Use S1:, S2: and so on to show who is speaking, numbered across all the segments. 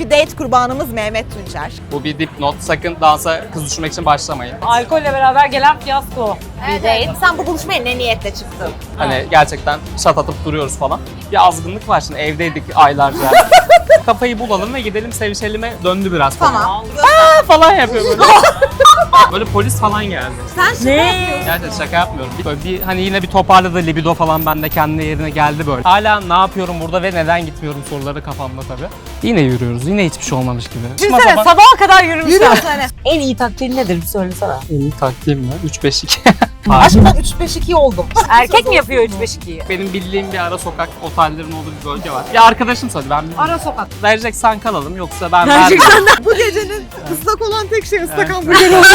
S1: Bugünkü date kurbanımız Mehmet Tunçer.
S2: Bu bir dipnot. Sakın dansa kız düşürmek için başlamayın.
S3: Alkolle beraber gelen fiyasko.
S1: Evet, evet. Sen bu buluşmaya ne niyetle çıktın?
S2: Hani gerçekten şat atıp duruyoruz falan. Bir azgınlık var şimdi, evdeydik aylarca. Kafayı bulalım ve gidelim sevişelime döndü biraz falan.
S1: Tamam.
S2: Falan yapıyor böyle. Böyle polis falan geldi.
S1: Sen şaka yapıyorsun.
S2: Gerçekten şaka yapmıyorum. Böyle bir hani yine bir toparladı libido falan, bende kendi yerine geldi böyle. Hala ne yapıyorum burada ve neden gitmiyorum soruları kafamda tabii. Yine yürüyoruz. Yine hiçbir şey olmamış gibi.
S3: Düşünsene sabaha kadar yürümüşler.
S1: Yürüyorsun hani.
S3: En iyi taktiğin nedir bir söylesene.
S2: En iyi taktiğim mi? 3-5-2.
S1: Aşkım ben 3-5-2 oldum.
S3: Erkek mi yapıyor 3-5-2'yi?
S2: Benim bildiğim bir ara sokak otellerin olduğu bir bölge var. Bir arkadaşım söyledi, ben bilmiyorum.
S1: Ara sokak.
S2: Vereceksen kalalım, yoksa ben vermem.
S1: Bu gecenin ıslak olan tek şey ıslak
S2: Evet.
S1: hamburger oldu.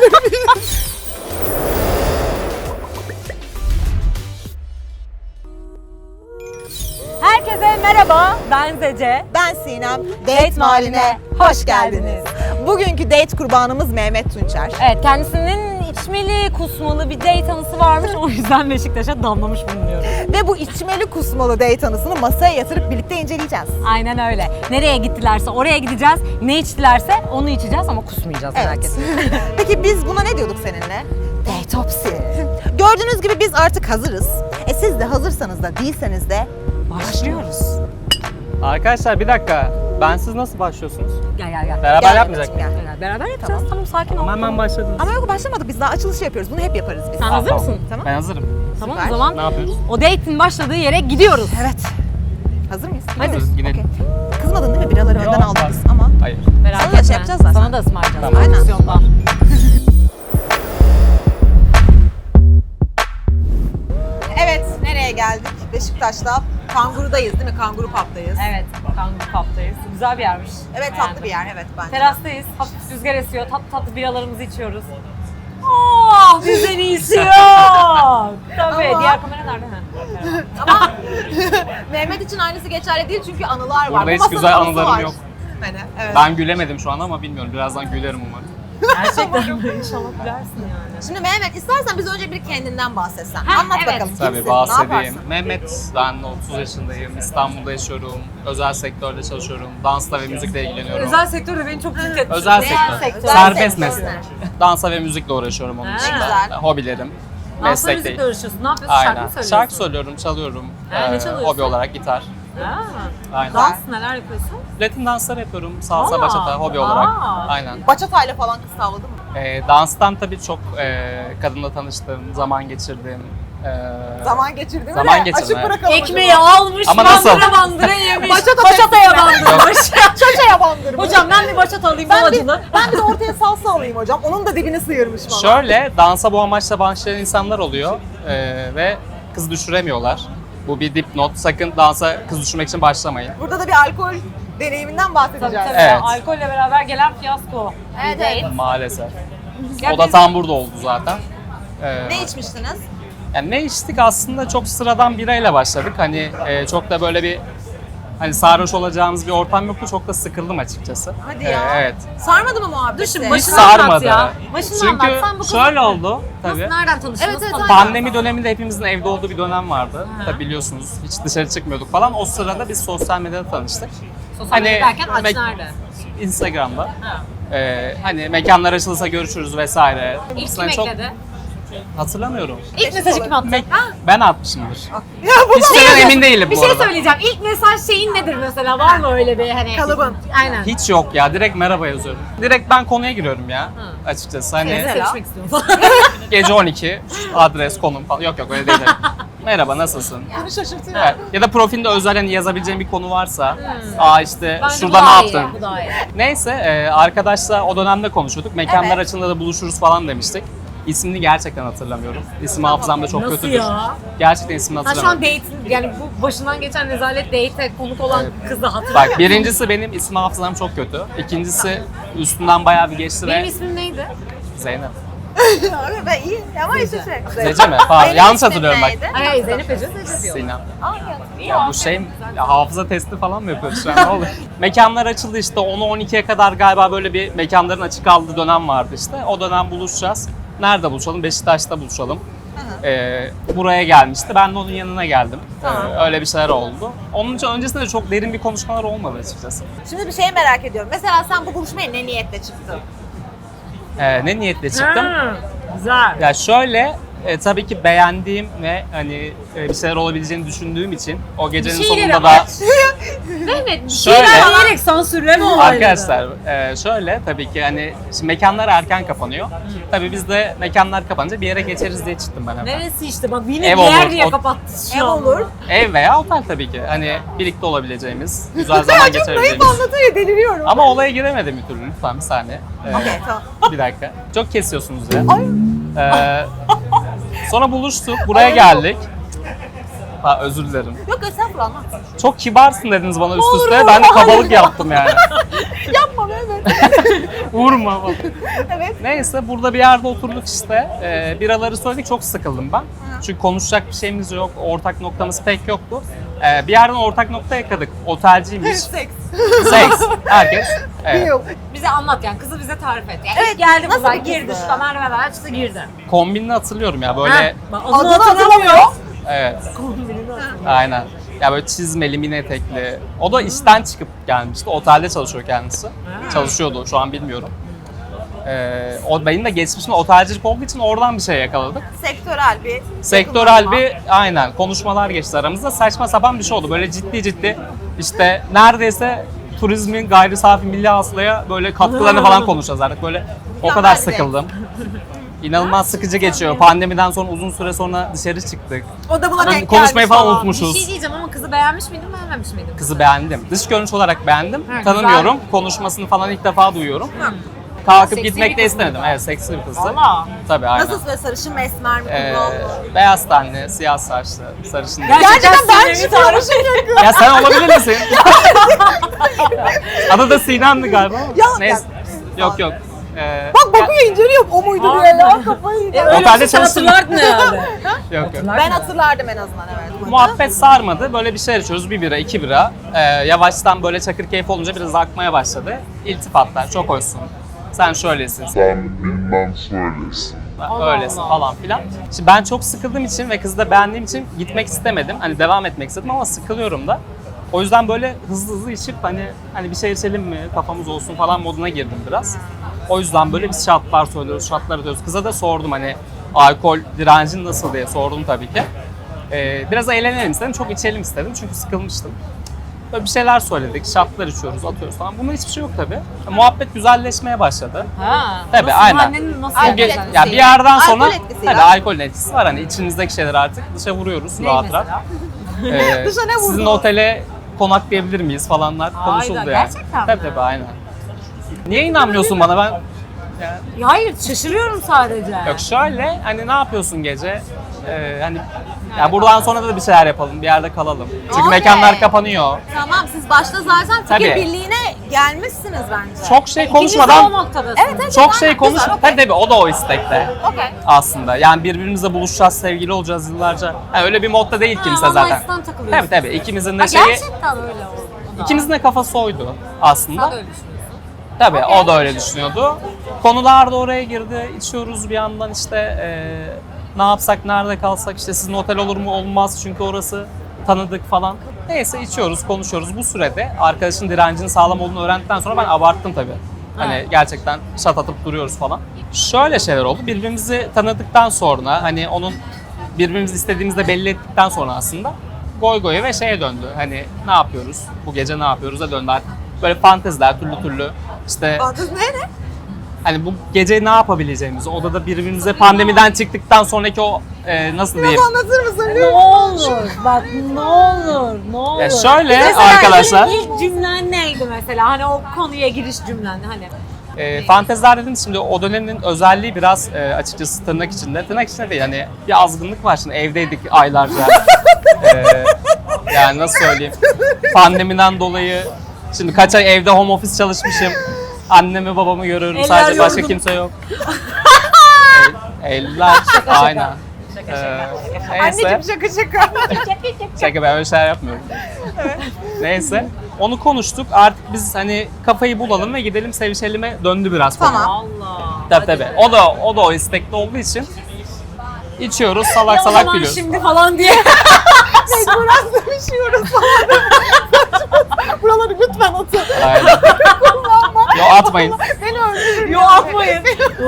S3: Herkese merhaba, ben Zece.
S1: Ben Sinem. Date Mahalline hoş geldiniz. Bugünkü date kurbanımız Mehmet Tunçer.
S3: Evet, kendisinin içmeli, kusmalı bir date anısı varmış. O yüzden Beşiktaş'a damlamış bulunuyoruz.
S1: Ve bu içmeli kusmalı date anısını masaya yatırıp birlikte inceleyeceğiz.
S3: Aynen öyle. Nereye gittilerse oraya gideceğiz. Ne içtilerse onu içeceğiz ama kusmayacağız merak
S1: Evet.
S3: etmeyin.
S1: Peki biz buna ne diyorduk seninle? Datopsi. Gördüğünüz gibi biz artık hazırız. Siz de hazırsanız da değilseniz de başlıyoruz.
S2: Arkadaşlar bir dakika. Bensiz nasıl başlıyorsunuz?
S3: Gel.
S2: Beraber
S1: Gel
S2: yapmayacak
S1: Mehmetciğim,
S2: mıyız?
S1: gel.
S3: Beraber yapacağız. Tamam sakin ol.
S2: Ama hemen başladınız.
S1: Ama yok başlamadık, biz daha açılışı yapıyoruz. Bunu hep yaparız biz.
S3: Sen hazır
S2: Tamam.
S3: mısın?
S1: Tamam.
S2: Ben hazırım.
S3: Tamam
S1: Süper.
S3: o zaman
S2: Ne yapıyoruz?
S3: o date'in başladığı yere gidiyoruz.
S1: Evet. Hazır mıyız?
S2: Hazırız, gidelim.
S1: Okey. Kızmadın değil mi? Biraları önden
S2: Yok,
S1: aldık
S2: bak.
S1: biz ama.
S2: Hayır.
S3: Merak
S1: Sana da
S3: etme.
S1: şey yapacağız zaten.
S3: Sana da ısmarlayacağız.
S2: Tamam.
S1: Aynen.
S3: Pozisyonda.
S1: Evet, nereye geldik? Beşiktaş'ta. Kangurudayız değil mi? Kanguru Pub'dayız.
S3: Evet, Kanguru Pub'dayız. Güzel bir yermiş.
S1: Evet, tatlı
S3: Beğendim.
S1: bir yer, evet bence.
S3: Terastayız, hafif rüzgar esiyor, tatlı biralarımızı içiyoruz. Oh, bizden iyisi yok. Tabii,
S1: Ama-
S3: diğer kamera nerede? Ha.
S1: Ama Mehmet için aynısı geçerli değil çünkü anılar var.
S2: Burada
S1: Bu
S2: hiç
S1: masanın
S2: güzel
S1: anısı
S2: anılarım
S1: var.
S2: yok.
S1: Hani, evet.
S2: Ben gülemedim şu an ama bilmiyorum. Birazdan gülerim umarım.
S3: Gerçekten inşallah gülersin yani.
S1: Şimdi Mehmet, istersen biz önce bir kendinden bahsetsen.
S3: Ha,
S1: Anlat
S3: evet.
S1: bakalım.
S2: Tabii
S1: Kimsin? Ne
S2: bahsedeyim.
S1: yaparsın?
S2: Mehmet, ben 30 yaşındayım. İstanbul'da yaşıyorum. Özel sektörde çalışıyorum. Dansla ve müzikle ilgileniyorum.
S3: Özel sektörde beni çok tilt etti.
S2: Özel
S1: Ne
S2: sektör.
S1: sektör?
S2: Serbest
S1: Özel
S2: meslek.
S1: sektör.
S2: Dansa ve müzikle uğraşıyorum onun
S3: Ha.
S2: dışında.
S1: Güzel.
S2: Hobilerim.
S3: Dansla
S2: Meslek
S3: müzikle
S2: değil.
S3: uğraşıyorsun. Ne yapıyorsun? Şarkı mı
S2: Aynen.
S3: söylüyorsun?
S2: Şarkı söylüyorum, çalıyorum.
S3: Ha, ne çalıyorsun?
S2: Hobi olarak gitar.
S3: Ha.
S2: Aynen.
S3: Dans neler yapıyorsun?
S2: Latin danslar yapıyorum. Salsa,
S3: Aa,
S2: bachata hobi olarak.
S3: aa.
S2: Aynen.
S1: Bachata'yla falan kız tavladı mı?
S2: Danstan tabii çok kadınla tanıştım, zaman geçirdim.
S1: Zaman geçirdi mi?
S2: Zaman
S1: de
S2: geçirdim,
S1: Açık
S2: evet.
S1: bırakalım.
S3: Ekmeği almış,
S2: Ama nasıl?
S3: bandıra yemiş.
S1: Bachata
S3: Bachata'ya bandırmış.
S1: Çaçaya bandırmış.
S3: Hocam ben bir bachata alayım
S1: ben bir,
S3: acılı.
S1: ben bir de ortaya salsa alayım hocam. Onun da dibini sıyırmış bana.
S2: Şöyle, dansa bu amaçla başlayan insanlar oluyor ve kız düşüremiyorlar. Bu bir dipnot. Sakın dansa kız düşürmek için başlamayın.
S1: Burada da bir alkol deneyiminden
S3: Tabii
S1: bahsedeceğiz.
S3: tabii.
S2: Evet.
S3: Alkolle beraber gelen fiyasko.
S1: Evet,
S3: Bir
S1: evet.
S3: date.
S2: Maalesef.
S3: Ya
S2: O da
S3: biz-
S2: tam burada oldu zaten.
S1: Ne içmiştiniz?
S2: Yani ne içtik, aslında çok sıradan birayla başladık. Hani çok da böyle bir hani sarhoş olacağımız bir ortam yoktu. Çok da sıkıldım açıkçası.
S1: Hadi ya.
S2: Evet.
S1: Sarmadı mı muhabbeti?
S3: Düşün,
S2: Hiç
S3: başını anlat
S2: sarmadı.
S3: ya. Başını
S2: Çünkü
S3: anlat. Sen bu kızı
S2: şöyle oldu tabii.
S3: nasıl, nereden tanıştınız?
S1: Evet, evet,
S3: falan?
S2: Pandemi döneminde hepimizin evde olduğu bir dönem vardı.
S3: Ha.
S2: Tabii biliyorsunuz, hiç dışarı çıkmıyorduk falan. O sırada biz sosyal medyada tanıştık.
S3: Sosyal medya derken aç
S2: me-
S3: nerede?
S2: Instagram'da.
S3: Ha.
S2: Hani mekanlar açılırsa görüşürüz vesaire.
S3: İlk
S2: Aslında
S3: kim
S2: çok
S3: ekledi?
S2: hatırlamıyorum.
S3: İlk mesajı kim attı?
S2: Ben atmışımdır.
S1: Ya bu
S2: Hiç şeyden emin değilim
S3: Bir
S2: bu
S3: şey
S2: arada.
S3: söyleyeceğim. İlk mesaj şeyin nedir mesela? Var mı öyle bir hani?
S1: Kalıbın.
S3: Aynen.
S2: Hiç yok ya. Direkt merhaba yazıyorum. Direkt ben konuya giriyorum ya. Açıkçası hani
S3: Evet,
S1: Mesela?
S3: sevişmek istiyorum falan.
S2: gece 12 adres, konum falan. Yok öyle değil. Merhaba, nasılsın?
S1: Beni şaşırtıyor.
S2: Evet. Ya da profilde özel hani yazabileceğim bir konu varsa. İşte
S3: Bence
S2: şurada
S3: bu
S2: ne
S3: daha iyi,
S2: yaptın?
S3: Bu daha iyi.
S2: Neyse arkadaşla o dönemde konuşuyorduk. Mekanlar
S1: Evet.
S2: açılında da buluşuruz falan demiştik. İsmini gerçekten hatırlamıyorum. İsim hafızam da çok
S3: Nasıl
S2: kötüdür.
S3: ya?
S2: Gerçekten ismini
S3: Ha şu an
S2: hatırlamıyorum.
S3: date, yani bu başından geçen rezalet date'e konuk olan kızı hatırlıyor.
S2: Bak, birincisi benim isim hafızam çok kötü. İkincisi üstünden bayağı bir geçti
S3: Benim
S2: ve
S3: ismim neydi?
S2: Zeynep.
S1: Abi ben iyi ama işte şey.
S2: Zece mi? Pardon,
S1: Benim
S2: yanlış
S1: ismim
S2: hatırlıyorum bak.
S1: neydi?
S3: Ay Zeynep Ece Zece diyor.
S2: Sinem.
S1: Aa, ya.
S2: Ya bu şey ya, hafıza testi falan mı yapıyoruz şu an, ne oluyor? Mekanlar açıldı işte, 10'u 12'ye kadar galiba böyle bir mekanların açık kaldığı dönem vardı işte. O dönem buluşacağız. Nerede buluşalım? Beşiktaş'ta buluşalım. Buraya gelmişti. Ben de onun yanına geldim.
S1: Tamam.
S2: Öyle bir şeyler oldu. Onun için öncesinde de çok derin bir konuşmalar olmadı açıkçası.
S1: Şimdi bir şey merak ediyorum. Mesela sen bu buluşmaya ne niyetle çıktın?
S2: Ne niyetle çıktım?
S3: Ha, güzel.
S2: Ya şöyle, tabii ki beğendiğim ve hani bir şeyler olabileceğini düşündüğüm için o gecenin
S3: Bir şeylere
S2: sonunda da
S3: aç. Mehmet, bir
S2: Şöyle.
S3: şeyler diyerek sansürleme olayları.
S2: arkadaşlar şöyle tabii ki hani şimdi mekanlar erken kapanıyor. Tabii biz de mekanlar kapanınca bir yere geçeriz diye çıktım ben hemen.
S3: Neresi işte bak yine
S2: Ev
S3: bir yer
S2: olur,
S3: diye
S2: o-
S3: kapattı şu
S1: Ev
S3: an.
S1: olur.
S2: Ev veya otel tabii ki. Hani birlikte olabileceğimiz, güzel zaman geçirebileceğimiz.
S1: anlatıyor, deliriyorum.
S2: Ama olaya giremedim bir türlü. Lütfen bir saniye.
S1: Okey, tamam.
S2: Bir dakika. Çok kesiyorsunuz ya. Sonra buluştuk. Buraya geldik. Ha, özür dilerim.
S1: Yok estağfurullah, anlat.
S2: Çok kibarsın dediniz bana üst üste. Ben de kabalık yaptım yani.
S1: Yapma Mehmet.
S2: Vurma bak.
S1: Evet.
S2: Neyse burada bir yerde oturduk işte. Biraları söyledik, çok sıkıldım ben. Çünkü konuşacak bir şeyimiz yok. Ortak noktamız pek yoktu. Bir yerden ortak nokta yakaladık. Otelciymiş.
S1: Seks.
S2: Seks. Herkes. Evet.
S1: Yok.
S3: Bize anlat yani kızı bize tarif et. Yani
S1: Evet,
S3: ilk geldi
S1: nasıl
S3: kızlar
S1: bir kızdı?
S3: girdi şu merdiven açtı girdi.
S2: Kombinini hatırlıyorum ya böyle.
S3: Ha, bak,
S1: Adını
S3: adını
S1: hatırlamıyor.
S2: Evet.
S3: Kombinini hatırlamıyor.
S2: Aynen. Ya böyle çizmeli, mini etekli. O da işten çıkıp gelmişti. Otelde çalışıyor kendisi. Çalışıyordu, şu an bilmiyorum. O benim de geçmişim otelcilik olduğu için oradan bir şey yakaladık.
S1: Sektörel bir.
S2: Sektörel bir aynen konuşmalar geçti aramızda. Saçma sapan bir şey oldu. Böyle ciddi işte neredeyse turizmin gayri safi milli hasılaya böyle katkılarını falan konuşacağız artık. Böyle o kadar sıkıldım. İnanılmaz sıkıcı geçiyor. Pandemiden sonra uzun süre sonra dışarı çıktık.
S1: O da buna denk
S2: Konuşmayı
S1: gelmiş
S2: falan
S3: Bir
S2: unutmuşuz.
S3: şey diyeceğim ama kızı beğenmiş miydin beğenmemiş miydin?
S2: Kızı beğendim. Dış görünüş olarak beğendim.
S3: Ha,
S2: Tanımıyorum. Konuşmasını falan ilk defa duyuyorum. Kalkıp
S3: Seksi
S2: gitmek
S3: bir
S2: de
S3: kız mıydı?
S2: istemedim. Evet, seksi bir kızdı.
S3: Valla.
S2: Tabii aynen.
S1: Nasıl böyle sarışın mı, esmer mi, kumral mı?
S2: Beyaz tenli, siyah saçlı, sarışın.
S1: Gerçekten ben
S3: sinirli
S1: çıkıyormuşum.
S2: Ya sen olabilir misin? Adı da Sinan'dı galiba.
S1: Ya,
S2: Neyse.
S1: ya-
S2: Yok.
S1: Bak bakıyor, inceliyor. O muydu diye ya, kafayı yiyeceğim.
S3: Öyle
S2: Otelde
S3: olsa
S2: çalıştın.
S3: hatırlardın herhalde.
S2: Yok.
S1: Ben hatırlardım en azından, evet.
S2: Muhabbet sarmadı. Böyle bir şeyler içiyoruz. Bir bira, iki bira. Yavaştan böyle çakır keyif olunca biraz akmaya başladı. İltifatlar. Çok hoşsun. Sen şöylesin.
S4: Sen bilmem söylesin.
S2: Öylesin
S3: Allah.
S2: falan filan. Şimdi ben çok sıkıldığım için ve kızı da beğendiğim için gitmek istemedim. Hani devam etmek istedim ama sıkılıyorum da. O yüzden böyle hızlı içip hani bir şey içelim mi, kafamız olsun falan moduna girdim biraz. O yüzden böyle biz şartlar söylüyoruz, şartlar ödüyoruz. Kıza da sordum hani alkol direncin nasıl diye sordum tabii ki. Biraz eğlenelim istedim, çok içelim istedim çünkü sıkılmıştım. Böyle bir şeyler söyledik, şartlar içiyoruz, atıyoruz falan. Bunda hiçbir şey yok tabii. Muhabbet güzelleşmeye başladı.
S3: Ha.
S2: Tabii,
S3: nasıl,
S2: aynen.
S3: Annenin nasıl
S1: Alkol
S2: Bu ge-
S3: yapacağını
S1: etkisi.
S2: ya bir yerden sonra
S1: Alkol etkisiyle.
S2: tabii alkolün etkisi var, hani içinizdeki şeyler artık dışa vuruyoruz
S3: Ne
S2: rahat rahat.
S3: mesela?
S1: Dışa ne vurdu?
S2: Sizin otele konaklayabilir miyiz falanlar konuşuldu yani.
S3: gerçekten mi?
S2: Tabii aynen. Niye inanmıyorsun bana ben?
S3: Ya hayır şaşırıyorum sadece.
S2: Yok şöyle hani ne yapıyorsun gece? Hani ya buradan sonra da bir şeyler yapalım, bir yerde kalalım. Çünkü
S1: Okey.
S2: mekanlar kapanıyor.
S1: Tamam, siz başta zaten fikir
S2: Tabii.
S1: birliğine gelmişsiniz bence.
S2: Çok şey
S3: İkiniz de
S2: konuşmadan
S3: o noktadasınız.
S1: Evet,
S2: çok
S1: aynen.
S2: şey konuş.
S1: Güzel, okey.
S2: Tabii o da o istekte.
S1: Okey.
S2: Aslında. Yani birbirimizle buluşacağız, sevgili olacağız yıllarca. Yani öyle bir modda değil kimse
S3: One
S2: zaten.
S3: night stand takılıyorsun.
S2: Tabii ikimizin de
S3: Ha,
S2: şeyi,
S3: gerçekten öyle o.
S2: ikimizin de kafası oydu aslında.
S3: Sen de öyle düşünüyorsun.
S2: Tabii o da öyle düşünüyordu. Konular da oraya girdi. İçiyoruz bir yandan işte ne yapsak, nerede kalsak, işte sizin otel olur mu olmaz çünkü orası tanıdık falan. Neyse içiyoruz, konuşuyoruz. Bu sürede arkadaşın direncinin sağlam olduğunu öğrendikten sonra ben abarttım tabii. Hani
S3: Evet.
S2: gerçekten şat atıp duruyoruz falan. Şöyle şeyler oldu. Birbirimizi tanıdıktan sonra hani onun birbirimizi istediğimizde belli ettikten sonra aslında goy goya ve şeye döndü. Hani ne yapıyoruz? Bu gece ne yapıyoruz'a döndü artık. Böyle fanteziler türlü işte
S1: Kız ne?
S2: hani bu gece ne yapabileceğimizi, odada birbirimize pandemiden çıktıktan sonraki o nasıl diyeyim?
S1: Anlatır mısın?
S3: Ne olur bak ne olur.
S2: Ya şöyle
S3: Mesela
S2: arkadaşlar,
S3: senin ilk cümlen neydi mesela? Hani o konuya giriş cümlen hani.
S2: fanteziler dediniz şimdi o dönemin özelliği biraz açıkçası tırnak içinde. Tırnak içinde değil hani bir azgınlık var şimdi evdeydik aylarca. Yani nasıl söyleyeyim? Pandemiden dolayı şimdi kaç ay evde home office çalışmışım. Annemi babamı görüyorum
S3: Eller
S2: sadece başka
S3: yorgun.
S2: kimse yok. Eller aynen. Neyse.
S1: Anneciğim şaka şaka.
S2: Şaka ben öyle şeyler yapmıyorum. Neyse. Onu konuştuk. Artık biz hani kafayı bulalım ve gidelim sevişelim'e döndü biraz konu.
S1: Tamam.
S3: Allah.
S2: Tabii. O da o istekli olduğu için içiyoruz, salak
S3: Ya o
S2: salak
S3: zaman
S2: gülüyoruz.
S3: şimdi falan diye.
S1: Mecburen sevişiyoruz falan. Buraları lütfen atın.
S2: Aynen. Yo atmayın.
S1: Beni öldürür.
S3: Yo atmayın.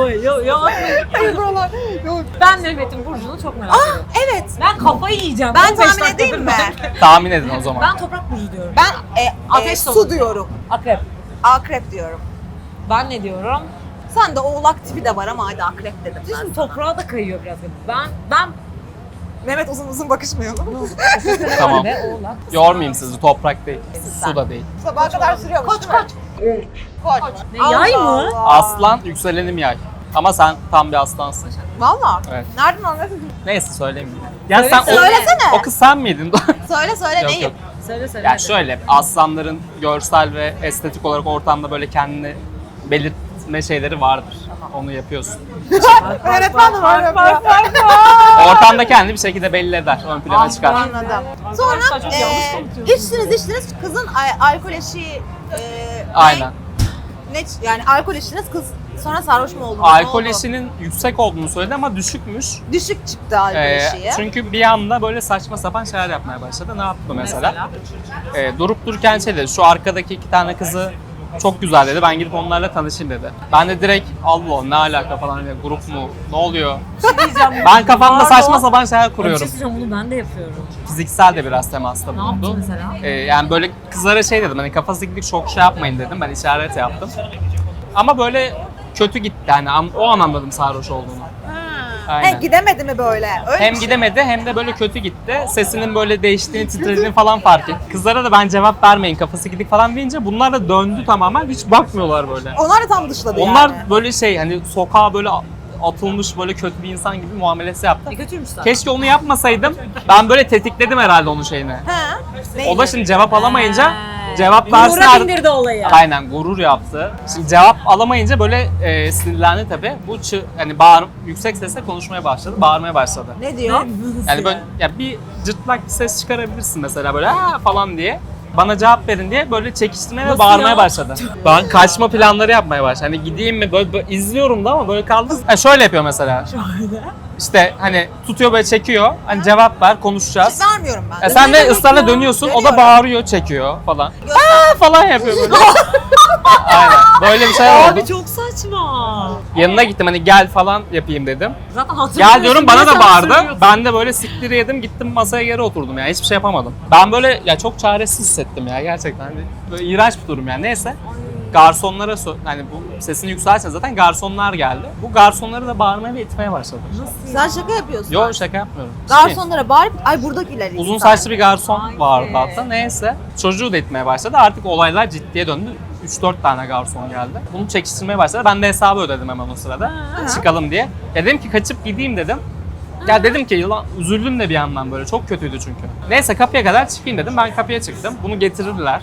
S3: Yo atmayın.
S1: Hayır buralar. Yok.
S3: Ben Mehmet'in burcunu çok merak ediyorum.
S1: Evet.
S3: Ben kafayı yiyeceğim.
S1: Ben
S3: 15
S1: tahmin
S3: dakikadır
S1: edeyim mi?
S2: Tahmin edin o zaman.
S3: Ben toprak burcu diyorum.
S1: Ben
S3: Ateş
S1: su
S3: dolu.
S1: diyorum.
S3: Akrep.
S1: Akrep diyorum.
S3: Ben ne diyorum?
S1: Sen de oğlak tipi de var ama hadi akrep dedim ben.
S3: Şimdi toprağa da kayıyor biraz. Ben
S1: Mehmet uzun uzun bakışmayalım.
S2: Tamam.
S3: Ve oğlak.
S2: Yormayayım sizi, toprak değil, su da değil.
S1: Sabaha kadar sürüyormuş. Koç koç. Koç.
S3: Ne, yay mı?
S2: Aslan, yükselenim yay. Ama sen tam bir aslansın.
S1: Valla.
S2: Evet.
S1: Nereden anladın?
S2: Neyse söyleyeyim. Ya sen
S1: Söylesene.
S2: o kız sen miydin?
S1: Söyle söyle
S2: Yok,
S1: neyim?
S2: yok.
S3: Söyle.
S2: Yani şöyle, aslanların görsel ve estetik olarak ortamda böyle kendini belirtme şeyleri vardır. Onu yapıyorsun.
S1: Öğretmen de var yapıyor.
S2: Ortamda kendini bir şekilde belli eder, ön plana çıkar.
S1: Anladım. Sonra
S3: Arkadaşlar çok yanlış konuşuyorsunuz.
S1: içtiniz kızın alkol eşiği
S2: Aynen.
S1: ne yani alkol içtiniz kız sonra sarhoş mu oldu?
S2: Alkol eşinin yüksek olduğunu söyledi ama düşükmüş.
S1: Düşük çıktı alkol eşiği.
S2: Çünkü bir anda böyle saçma sapan şeyler yapmaya başladı. Ne yaptı mesela? Durup dururken şey dedi, şu arkadaki 2 tane kızı çok güzel dedi. Ben gidip onlarla tanışayım dedi. Ben de direkt Allah ne alaka falan, hani grup mu? Ne oluyor?
S3: Diyeceğim.
S2: Ben kafamda
S3: Pardon.
S2: saçma sapan şeyler
S3: Bir şey
S2: kuruyorum.
S3: söyleyeceğim, bunu ben de yapıyorum.
S2: Fiziksel de biraz temasta
S3: Ne yaptın
S2: bulundu.
S3: mesela?
S2: Yani böyle kızlara şey dedim, hani kafası gidik çok şey yapmayın dedim. Ben işaret yaptım. Ama böyle kötü gitti, yani o an anladım sarhoş olduğunu. Aynen.
S1: Gidemedi mi böyle? Öyle
S2: Hem
S1: bir şey.
S2: gidemedi hem de böyle kötü gitti. Sesinin böyle değiştiğini, titrediğini falan fark etti. Kızlara da ben cevap vermeyin, kafası gidik falan deyince bunlar da döndü tamamen. Hiç bakmıyorlar böyle.
S1: Onlar da tam dışladı
S2: Onlar
S1: yani.
S2: böyle şey, hani sokağa böyle atılmış böyle kötü bir insan gibi muamelesi yaptı.
S3: Kötüymüş zaten.
S2: Keşke onu yapmasaydım. Ben böyle tetikledim herhalde onun şeyini.
S1: Ha.
S2: O da şimdi cevap alamayınca
S3: He.
S2: cevap versin.
S3: Gurura bindirdi olayı.
S2: Aynen, gurur yaptı. Şimdi cevap alamayınca böyle sinirlendi tabii. Bu hani yüksek sesle konuşmaya başladı, bağırmaya başladı.
S1: Ne diyor?
S2: Yani böyle ya bir cırtlak bir ses çıkarabilirsin mesela böyle "Aa!" falan diye. Bana cevap verin diye böyle çekiştirmeye ve
S3: Nasıl
S2: bağırmaya
S3: ya?
S2: başladı. Ben kaçma planları yapmaya başladı. Hani gideyim mi böyle izliyorum da ama böyle kaldım. Ha, şöyle yapıyor mesela. İşte hani tutuyor böyle çekiyor. Hani cevap ver, konuşacağız.
S1: Vermiyorum ben.
S2: Sen de ısrarla dönüyorsun. O da
S1: Dönüyorum.
S2: bağırıyor, çekiyor falan.
S1: Göster.
S2: Aa falan yapıyor böyle. Aynen. Böyle bir şey oldu.
S3: Abi çok saçma.
S2: Yanına gittim, hani gel falan yapayım dedim.
S3: Zaten hatırlıyorsun.
S2: Gel diyorum, bana
S3: diye
S2: da
S3: sen
S2: bağırdı.
S3: söylüyorsun.
S2: Ben de böyle siktiri yedim, gittim masaya geri oturdum yani, hiçbir şey yapamadım. Ben böyle ya çok çaresiz hissettim ya gerçekten. Hani böyle iğrenç bir durum yani, neyse. Garsonlara hani bu sesini yükseltsen zaten garsonlar geldi. Bu garsonları da bağırmaya ve itmeye başladı.
S1: Sen şaka yapıyorsun.
S2: Yok, şaka yapmıyorum.
S1: Garsonlara bağırıp ay buradakiler
S2: Uzun
S1: insan.
S2: saçlı bir garson
S3: Ay.
S2: vardı hatta, neyse. Çocuğu da itmeye başladı. Artık olaylar ciddiye döndü. 3-4 tane garson geldi. Bunu çekiştirmeye başladı. Ben de hesabı ödedim hemen o sırada. Çıkalım diye. Ya dedim ki kaçıp gideyim dedim. Ya dedim ki yılan, üzüldüm de bir yandan böyle. Çok kötüydü çünkü. Neyse kapıya kadar çıkayım dedim. Ben kapıya çıktım. Bunu getirirler.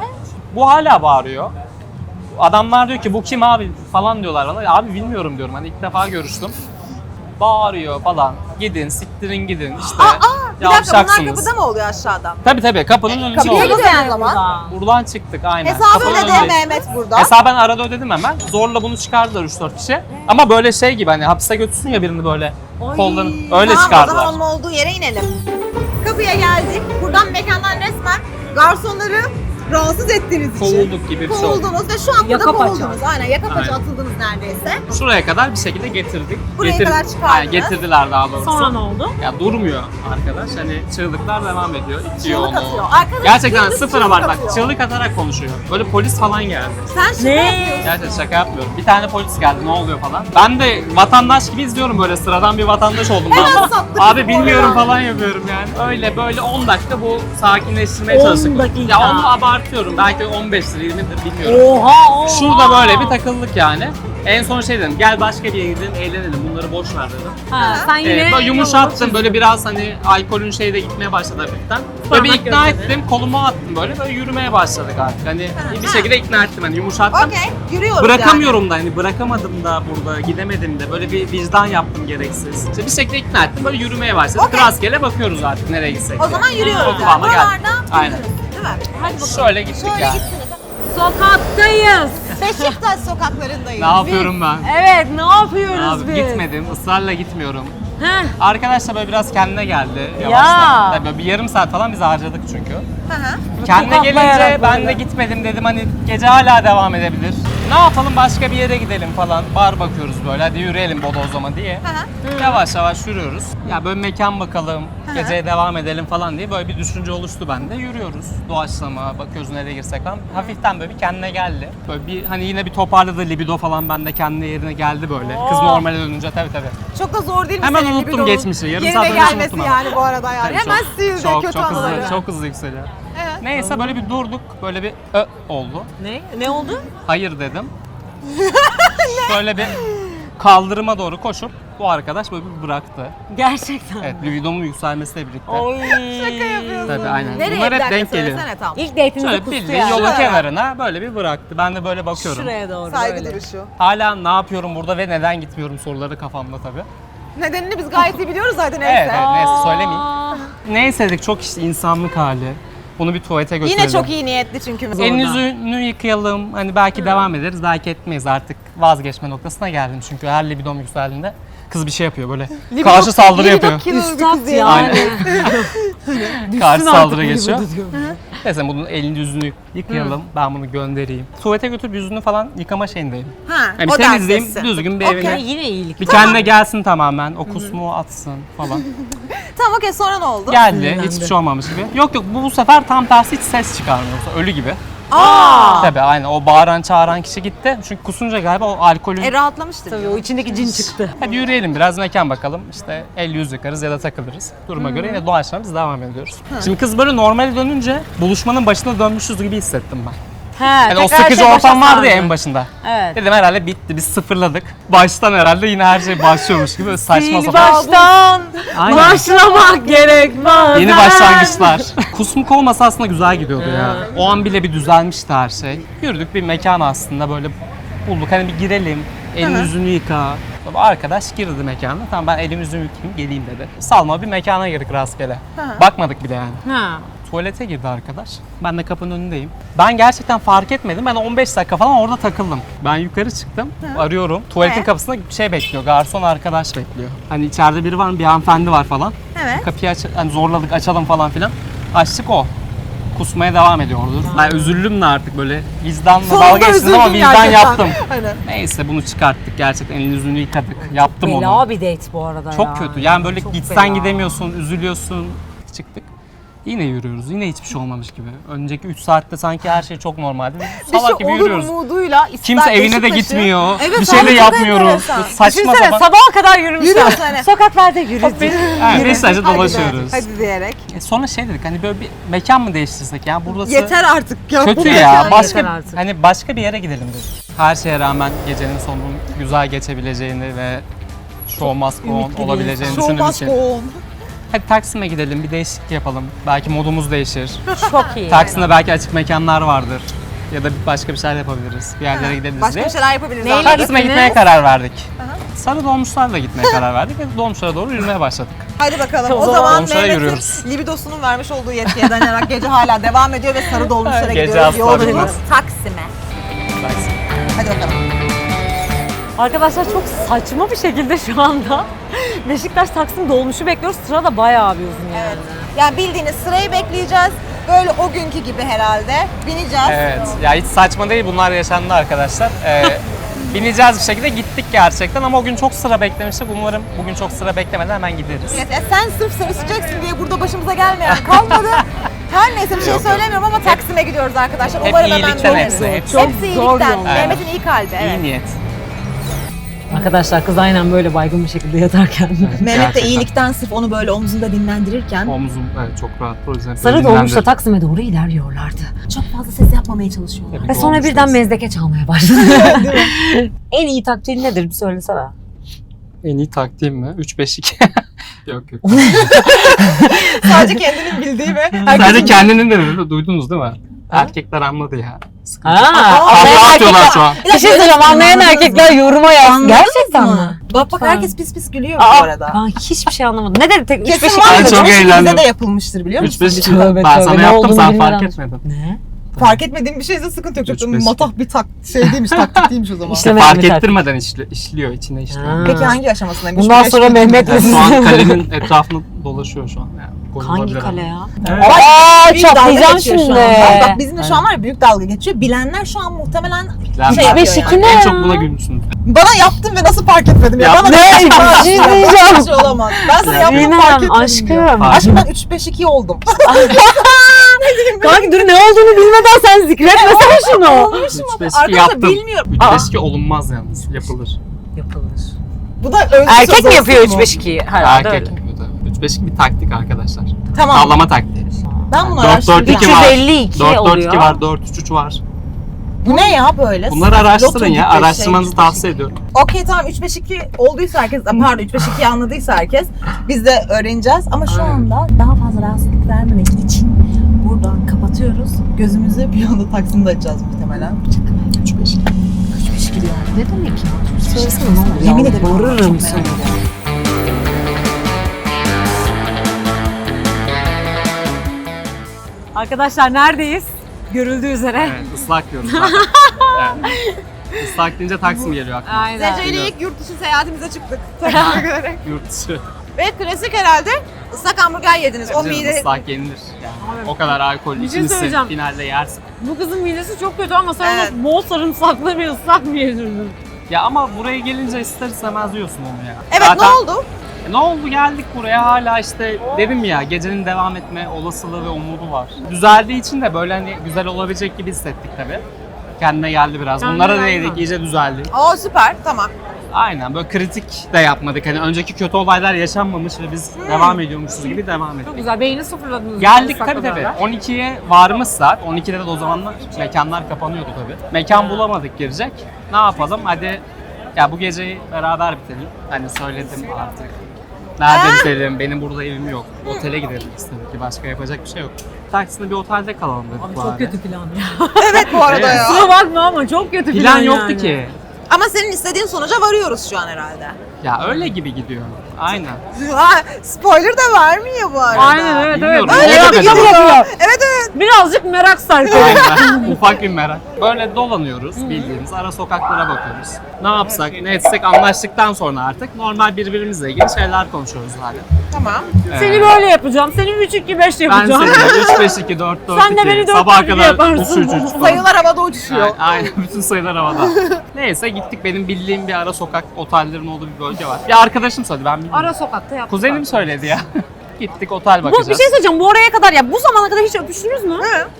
S2: Bu hala bağırıyor. Adamlar diyor ki bu kim abi falan diyorlar bana. Abi bilmiyorum diyorum. Hani ilk defa görüştüm. Bağırıyor falan. Gidin, siktirin gidin işte.
S1: Bir dakika bunlar
S2: Yavşaksınız.
S1: kapıda mı oluyor aşağıdan?
S2: Tabii kapının önünde
S1: Kapıya
S2: oldu.
S1: gidiyor o zaman.
S2: Buradan çıktık aynen.
S1: Hesabı
S2: Kapının
S1: ödedi
S2: önündeyiz.
S1: Mehmet burada.
S2: Hesabı ben arada ödedim hemen. Zorla bunu çıkardılar 3-4 kişi. Ama böyle şey gibi, hani hapise götürsün ya birini böyle kollarını. Öyle
S1: Tamam,
S2: çıkardılar.
S1: o zaman onun olduğu yere inelim. Kapıya geldik. Buradan mekandan resmen garsonları rahatsız ettiğiniz için.
S2: Kovulduk gibi bir şey oldu.
S1: Kovuldunuz ve şu an burada
S3: Yaka paça.
S1: kovuldunuz. Aynen yaka paça
S2: Aynen.
S1: atıldınız neredeyse.
S2: Şuraya kadar bir şekilde getirdik.
S1: Buraya kadar çıkardınız.
S2: Aynen, getirdiler daha doğrusu.
S3: Sonra ne oldu?
S2: Ya durmuyor arkadaş. Hani çığlıklar devam ediyor. İtiyor
S1: Çığlık
S2: onu.
S1: atıyor. Arkadaş
S2: Gerçekten
S1: dümdüz
S2: sıfıra
S1: çığlık
S2: var bak.
S1: atıyor.
S2: Çığlık atarak konuşuyor. Böyle polis falan geldi.
S1: Sen şaka
S3: Ne?
S1: yapıyorsun.
S2: Gerçekten şaka yapmıyorum. Bir tane polis geldi, ne oluyor falan. Ben de vatandaş gibi izliyorum, böyle sıradan bir vatandaş oldum ben.
S1: Hemen sattık
S2: Abi
S1: bizim
S2: bilmiyorum
S1: oradan.
S2: falan yapıyorum yani. Öyle böyle 10 dakika bu sakinleştirmeye
S3: 10
S2: çalıştık.
S3: dakika.
S2: Ya onu abartıyorum. Belki 15'tir 20'dir bilmiyorum.
S3: Oha.
S2: Şurada böyle bir takıldık yani. En son şey dedim, gel başka bir yere gidelim, eğlenelim, bunları boş ver dedim.
S3: Ha, sen yine
S2: Böyle yumuşattım, böyle biraz hani alkolün şeyi de gitmeye başladı hafiften. Böyle bir
S3: Parmak
S2: ikna
S3: gözleri.
S2: ettim, kolumu attım böyle yürümeye başladık artık. Hani bir şekilde ikna ettim, hani yumuşattım.
S1: Okey, yürüyoruz
S2: Bırakamıyorum da, hani bırakamadım da burada, gidemedim de, böyle bir vicdan yaptım gereksiz. İşte bir şekilde ikna ettim, böyle yürümeye başladık.
S1: Okey.
S2: Rastgele bakıyoruz artık nereye gitsek.
S1: O zaman yürüyoruz
S2: O
S1: yani.
S2: kıvama geldik.
S1: Buralarda
S2: Aynen.
S1: yürürüz, değil mi?
S3: Hadi bakalım.
S2: Şöyle gittik
S1: Şöyle
S2: yani.
S1: gittiniz.
S3: Sokaktayız.
S1: Beşiktaş sokaklarındayız.
S2: Ne yapıyorum ben?
S3: Evet, ne yapıyoruz
S2: Abi
S3: biz?
S2: gitmedim, ısrarla gitmiyorum.
S3: Heh.
S2: Arkadaş da böyle biraz kendine geldi
S3: Ya.
S2: yavaştan. Tabii böyle bir yarım saat falan biz harcadık çünkü.
S1: Hı hı.
S2: Kendine gelince
S3: Tokatlayarak
S2: ben
S3: böyle.
S2: de gitmedim dedim hani gece hala devam edebilir. Ne yapalım başka bir yere gidelim falan. Bar bakıyoruz böyle hadi yürüyelim bodozlama diye. Yavaş yavaş yürüyoruz. Ya böyle mekan bakalım, geceye devam edelim falan diye böyle bir düşünce oluştu bende. Yürüyoruz. Doğaçlama, bakıyoruz nereye girsek falan. Hafiften böyle bir kendine geldi. Böyle bir hani yine bir toparladı libido falan bende kendine yerine geldi böyle. Kız normale dönünce tabii.
S1: Çok da zor değil mi
S2: Hemen
S1: senin
S2: unuttum
S1: libidonun
S2: geçmişi. Yarım
S1: yerine
S2: saat önce
S1: gelmesi
S2: unuttum ama.
S1: yani bu arada yani.
S2: Tabii
S1: Hemen sildi
S2: çok
S1: kötü
S2: hızlı,
S1: anıları.
S2: çok hızlı yükseliyor.
S1: Evet.
S2: Neyse böyle bir durduk. Böyle bir oldu.
S3: Ne oldu?
S2: Hayır dedim. Böyle bir kaldırıma doğru koşup bu arkadaş böyle bir bıraktı.
S3: Gerçekten.
S2: Evet, libidomun yükselmesiyle birlikte.
S3: Oy.
S1: Şaka yapıyorsun.
S2: Tabii aynen.
S1: Nereye
S2: Bunlar
S1: bir
S2: hep
S1: dakika
S2: denk geliyor.
S1: söylesene tam.
S3: İlk date'inizi
S2: Şöyle
S3: kustu
S2: bildiğin
S3: yani.
S2: yolun
S1: Şuraya.
S2: kenarına böyle bir bıraktı. Ben de böyle bakıyorum.
S3: Şuraya doğru
S1: Saygı
S3: böyle.
S1: duruşu.
S2: Hala ne yapıyorum burada ve neden gitmiyorum soruları kafamda tabii.
S1: Nedenini biz gayet iyi biliyoruz zaten neyse.
S2: Evet, neyse söylemeyeyim. Neyse dedik çok işte insanlık hali. Bunu bir tuvalete götürelim.
S1: Yine çok iyi niyetli çünkü.
S2: Elini yüzünü yıkayalım. Hani belki devam ederiz, belki etmeyiz artık. Vazgeçme noktasına geldim çünkü her libidom yükseldiğinde kız bir şey yapıyor böyle. Karşı saldırı yapıyor.
S3: Üstad yani.
S2: Aynen. Karşı
S3: Düşsün
S2: saldırı
S3: artık
S2: geçiyor.
S3: libido diyorum.
S2: Neyse bunun elini yüzünü yıkayalım. Ben bunu göndereyim. Tuvalete götürüp yüzünü falan yıkama şeyindeyim.
S1: Ha,
S2: Yani
S1: o
S2: temizleyeyim,
S1: derstesin.
S2: düzgün bir
S1: Okey.
S2: evine.
S3: Yine iyilik.
S2: Bir kendine gelsin tamamen. O kusmuğu atsın falan.
S1: Tamam okey sonra ne oldu?
S2: Geldi.
S3: Sinirlendi.
S2: Hiçbir şey olmamış gibi. Yok bu sefer tam tersi hiç ses çıkarmıyor. Ölü gibi.
S1: Aa!
S2: Tabii aynen o bağıran çağıran kişi gitti. Çünkü kusunca galiba o alkolün...
S1: Rahatlamıştır.
S3: Tabii o içindeki cin çıktı.
S2: Hadi yürüyelim biraz mekan bakalım. İşte el yüz yıkarız ya da takılırız. Duruma göre yine doğaçlama biz devam ediyoruz. Şimdi kız böyle normale dönünce buluşmanın başına dönmüşüz gibi hissettim ben.
S3: He,
S2: Yani o
S3: tekrar
S2: sıkıcı
S3: şey başa
S2: ortam vardı ya
S3: sardı.
S2: en başında.
S3: Evet.
S2: Dedim herhalde bitti biz sıfırladık. Baştan herhalde yine her şey başlıyormuş gibi böyle saçma
S3: Sil
S2: sapan.
S3: baştan
S2: Aynen.
S3: başlamak gerek bazen.
S2: Yeni başlangıçlar. Kusmuk olmasa aslında güzel gidiyordu ya. O an bile bir düzelmişti her şey. Yürüdük bir mekan aslında böyle bulduk. Hani bir girelim, elini yüzünü yıka. Arkadaş girdi mekana. Tamam ben elimi yüzümü yıkayayım geleyim dedi. Salma bir mekana girdik rastgele. Bakmadık bile yani.
S3: Ha.
S2: Tuvalete girdi arkadaş. Ben de kapının önündeyim. Ben gerçekten fark etmedim. Ben 15 dakika falan orada takıldım. Ben yukarı çıktım. Arıyorum. Tuvaletin kapısında bir şey bekliyor. Garson arkadaş bekliyor. Hani içeride biri var mı? Bir hanımefendi var falan.
S1: Evet.
S2: Kapıyı hani zorladık açalım falan filan. Açtık o. Kusmaya devam ediyordu. Ben üzüldüm de artık böyle vicdanla
S1: Sonunda
S2: dalga geçtim ama
S1: üzüldüm
S2: vicdan
S1: gerçekten.
S2: yaptım.
S1: Aynen.
S2: Neyse bunu çıkarttık gerçekten. Elini yüzünü yıkadık. Yaptım onu.
S3: Bela bir date bu arada ya.
S2: Çok kötü. Yani böyle
S3: Çok
S2: gitsen
S3: bela.
S2: gidemiyorsun, üzülüyorsun. Çıktık. Yine yürüyoruz. Yine hiçbir şey olmamış gibi. Önceki 3 saatte sanki her şey çok normaldi.
S1: Bir şey
S2: Salak gibi
S1: olur
S2: yürüyoruz.
S1: umuduyla ister
S2: Kimse evine de
S1: Beşiktaş'ı-
S2: gitmiyor.
S1: Evet,
S2: bir şey de
S1: abi, çok
S2: yapmıyoruz.
S1: enteresan.
S2: Saçma
S3: Düşünsene
S2: sapan.
S3: sabaha kadar yürümüşler.
S1: Yürüyorsun hani.
S3: Sokaklarda yürüdük.
S2: Evet, Beşiktaş'ta
S1: Hadi be,
S2: dolaşıyoruz.
S1: Hadi diyerek.
S2: Sonra şey dedik hani böyle bir mekan mı değiştirsek ya burası
S1: Yeter artık ya.
S2: kötü
S1: bu
S2: ya.
S1: mekan.
S3: yeter
S2: Başka
S3: artık.
S2: hani başka bir yere gidelim dedik. Her şeye rağmen gecenin sonunun güzel geçebileceğini ve show must go on
S3: Ümitli bir
S2: olabileceğini
S1: Show
S2: düşündüğümüz
S1: must
S2: için.
S1: go on.
S2: Hadi Taksim'e gidelim bir değişiklik yapalım. Belki modumuz değişir.
S3: Çok iyi.
S2: Taksim'de belki açık mekanlar vardır. Ya da başka bir şeyler yapabiliriz. Bir yerlere gidebiliriz
S1: Başka
S2: diye.
S1: bir şeyler yapabiliriz.
S3: Neyle
S1: abi.
S2: Taksim'e
S3: gittiniz?
S2: gitmeye karar verdik. Sarı dolmuşlarla gitmeye karar verdik ve dolmuşlara doğru yürümeye başladık.
S1: Hadi bakalım.
S3: O
S1: O
S3: zaman
S1: zaman
S2: dolmuşlara
S1: Mehmet'in
S2: yürüyoruz.
S1: libidosunun vermiş olduğu yetkiye dayanarak gece hala devam ediyor ve sarı dolmuşlara
S2: Gece
S1: gidiyoruz.
S2: asla
S1: Yolculuğumuz
S2: bitmez.
S1: Taksim'e.
S2: Taksim.
S1: Hadi bakalım.
S3: Arkadaşlar çok saçma bir şekilde şu anda Beşiktaş Taksim dolmuşu bekliyoruz. Sıra da bayağı bir uzun yani.
S1: Evet. Yani bildiğiniz sırayı bekleyeceğiz. Böyle o günkü gibi herhalde. Bineceğiz.
S2: Evet. Ya hiç saçma değil bunlar yaşandı arkadaşlar. Bineceğiz bir şekilde gittik gerçekten ama o gün çok sıra beklemiştik. Umarım bugün çok sıra beklemeden hemen gideriz.
S1: Evet, ya sen sırf sevişeceksin diye burada başımıza gelmeyen kalmadı. Her neyse bir şey
S2: Yok, yok.
S1: söylemiyorum ama Taksim'e gidiyoruz arkadaşlar.
S2: Hep
S1: Umarım hemen
S2: iyilikten
S1: döneriz.
S2: hepsi, hepsi.
S3: Çok
S1: Hepsi
S3: zor
S1: iyilikten.
S3: yol.
S1: Mehmet'in iyi kalbi. Evet.
S2: İyi niyet.
S3: Arkadaşlar kız aynen böyle baygın bir şekilde yatarken.
S1: Mehmet de
S2: Gerçekten.
S1: iyilikten sırf onu böyle omzunda dinlendirirken
S2: Omzum evet, çok rahat. O yüzden
S3: Sarı
S2: böyle
S3: dolmuşla
S2: dinlendirdim.
S3: Taksim'e doğru ilerliyorlardı.
S1: çok fazla ses yapmamaya çalışıyorlar.
S2: Tabii
S3: Ve
S2: ki
S3: sonra birden
S2: olmuşuz.
S3: mezdeke çalmaya başladı. En iyi taktiğin nedir bir söylesene.
S2: En iyi taktiğim mi? 3-5-2. Yok yok.
S1: Sadece kendinin bildiği ve
S2: Sadece kendinin de dedi, duydunuz değil mi? Erkekler anladı ya. Sıkıntı.
S3: Anlayan
S2: Kahkaha atıyorlar şu an.
S3: Bir şey söyleyeceğim anlayan erkekler yoruma yazsın. Gerçekten mi?
S1: Bak
S3: Lütfen.
S1: herkes pis pis gülüyor bu
S3: Aa,
S1: arada.
S3: ben hiçbir şey anlamadım. Ne dedi tek 3-5
S1: Kesin
S2: Ben
S1: vardır.
S2: çok
S1: Ama
S2: eğlendim.
S1: Bize de yapılmıştır biliyor musun?
S2: 3-5-2.
S3: Tövbe
S2: Ben
S3: tövbe,
S2: sana
S3: ne
S2: yaptım
S3: olduğunu
S2: sen
S3: bilmeden.
S2: fark etmedin.
S3: Ne?
S1: Fark etmediğim bir şeyse sıkıntı yok.
S2: Üç,
S1: Çok
S2: beş,
S1: matah bir şey değilmiş, taktik değilmiş o zaman.
S3: İşte-
S2: Fark
S3: Mehmet
S2: ettirmeden işliyor, içine işliyor.
S3: Ha.
S1: Peki hangi aşamasındaymış?
S3: Bundan
S1: Beş
S3: sonra
S1: gün-
S3: Mehmet'le
S2: Yani şu an kalenin etrafını dolaşıyor şu an. Yani gol
S3: Hangi
S2: olabilir
S3: kale
S2: ama.
S3: ya?
S2: Evet.
S3: Aa,
S1: Büyük dalga
S3: çatlayacağım
S1: geçiyor
S3: şimdi.
S1: şu an. Bak bizimle şu an var ya büyük dalga geçiyor. Bilenler şu an muhtemelen
S2: Yani
S1: şey
S2: ben-
S1: yapıyor
S3: 3-5-2
S1: yani.
S3: ne
S2: En
S3: ya?
S2: çok buna gülmüşsün.
S1: Bana yaptın ve nasıl fark etmedim ya?
S2: Ya
S1: Bana
S3: ne? Bir şey diyeceğim.
S1: Bir şey olamaz. Ben sana yaptım
S3: Sinem,
S1: fark etmedim
S3: aşkım.
S1: diyor.
S2: Fark
S1: Aşkım ben 3-5-2 oldum.
S3: Kanki dur ne olduğunu bilmeden sen zikretmesene şunu.
S1: Olmuşum ama
S2: 3-5-2
S1: arkadaşlar
S2: yaptım.
S1: bilmiyorum.
S2: 3-5-2 olunmaz yalnız, yapılır.
S3: Yapılır.
S1: Bu da özlü
S3: Erkek
S1: söz
S3: mi yapıyor
S1: olsun mu?
S3: 3-5-2'yi? Herhalde
S2: Erkek
S3: öyle.
S2: yapıyor tabii. 3-5-2 bir taktik arkadaşlar.
S1: Tamam.
S2: Tavlama taktiği.
S1: Ben bunu
S2: 4-4-2
S1: araştıracağım.
S2: var.
S3: 352 oluyor.
S2: 4-4-2 var, 4-3-3 var.
S1: Bu ne ya böyle?
S2: Bunları araştırın
S1: Loto
S2: ya.
S1: gibi
S2: Araştırmanızı
S1: şey,
S2: tavsiye ediyorum.
S1: Okey tamam 3-5-2 olduysa herkes, pardon 3-5-2'yi anladıysa herkes biz de öğreneceğiz. Ama şu
S2: Aynen.
S1: anda daha fazla rahatsızlık vermemek için buradan kapatıyoruz. Gözümüzü bir anda Taksim'de açacağız muhtemelen.
S2: 3-5-2.
S1: 3-5-2 diyor.
S3: Ne demek ya?
S1: Söylesene ne olur. Yemin ederim.
S3: Bağırırım
S1: çok merak
S3: sana.
S1: ediyorum.
S3: Arkadaşlar neredeyiz? Görüldüğü üzere.
S2: Evet, ıslak diyoruz zaten. Evet. Islak deyince Taksim geliyor aklıma.
S3: Aynen.
S1: Zece ile ilk yurt dışı seyahatimize çıktık.
S2: Yurt dışı.
S1: Ve klasik herhalde ıslak hamburger yediniz. O
S2: Canım,
S1: mide...
S2: ıslak yenilir. Yani o kadar alkol
S3: Bir şey
S2: içmişsin,
S3: söyleyeceğim.
S2: finalde yersin.
S3: Bu kızın midesi çok kötü ama sen
S1: Evet.
S3: ona bol sarımsaklı bir ıslak mı yedirdin?
S2: Ya ama buraya gelince ister istemez yiyorsun onu ya.
S1: Evet
S2: Zaten,
S1: ne oldu?
S2: Ne oldu, geldik buraya, hala işte dedim ya, gecenin devam etme olasılığı ve umudu var. Düzeldiği için de böyle hani güzel olabilecek gibi hissettik tabii. Kendine geldi biraz.
S3: Kendine
S2: Bunlara
S3: geldi
S2: değdik,
S3: mi?
S2: iyice düzeldi.
S1: Oo süper tamam.
S2: Aynen, böyle kritik de yapmadık. Hani önceki kötü olaylar yaşanmamış ve biz devam ediyormuşuz gibi devam ettik.
S3: Çok güzel. Beyni sıfırladınız.
S2: Geldik
S3: ıslakla
S2: tabii tabii.
S3: beraber.
S2: 12'ye varmış saat. 12'de de o zamanlar mekanlar kapanıyordu tabii. Mekan bulamadık girecek. Ne yapalım? Hadi ya bu geceyi beraber bitelim. Hani söyledim artık. Nerede bitelim? Benim burada evim yok. Otele gidelim istedik ki, başka yapacak bir şey yok. Taksim'de bir otelde kalalım dedik
S3: Abi
S2: bari.
S3: çok kötü plan ya.
S1: Evet bu arada
S2: Evet.
S1: ya.
S3: Kusura bakma ama çok kötü plan,
S2: Plan yoktu
S3: yani.
S2: ki.
S1: Ama senin istediğin sonuca varıyoruz şu an herhalde.
S2: Ya öyle gibi gidiyor. Aynen.
S1: Ha, spoiler da vermiyor bu arada.
S3: Aynen evet evet.
S2: Bilmiyorum,
S3: Öyle
S2: ne
S3: yapıyor.
S2: yapacağız?
S1: Evet evet.
S3: Birazcık merak sarkıyor.
S2: Aynen. Ufak bir merak. Böyle dolanıyoruz bildiğimiz, ara sokaklara bakıyoruz. Ne yapsak, ne etsek anlaştıktan sonra artık normal birbirimizle ilgili şeyler konuşuyoruz hala.
S1: Tamam.
S3: Seni böyle yapacağım. Seni 3-2-5
S2: Ben
S3: yapacağım.
S2: seni 3-5-2, 4-4-2,
S3: Sen de beni 4-4-2
S2: sabaha kadar
S3: yaparsın.
S2: 3-3-3 falan.
S1: Sayılar havada uçuşuyor.
S2: Aynen, aynen, bütün sayılar havada. Neyse gittik, benim bildiğim bir ara sokak otellerin olduğu bir bölge var. Bir arkadaşım söyledi, ben bilmiyorum.
S3: Ara sokakta yaptık.
S2: Kuzenim söyledi ya. Gittik otel
S3: Bu
S2: bakacağız.
S3: bir şey söyleyeceğim. Bu oraya kadar ya bu zamana kadar hiç öpüştünüz mü?
S1: Hı.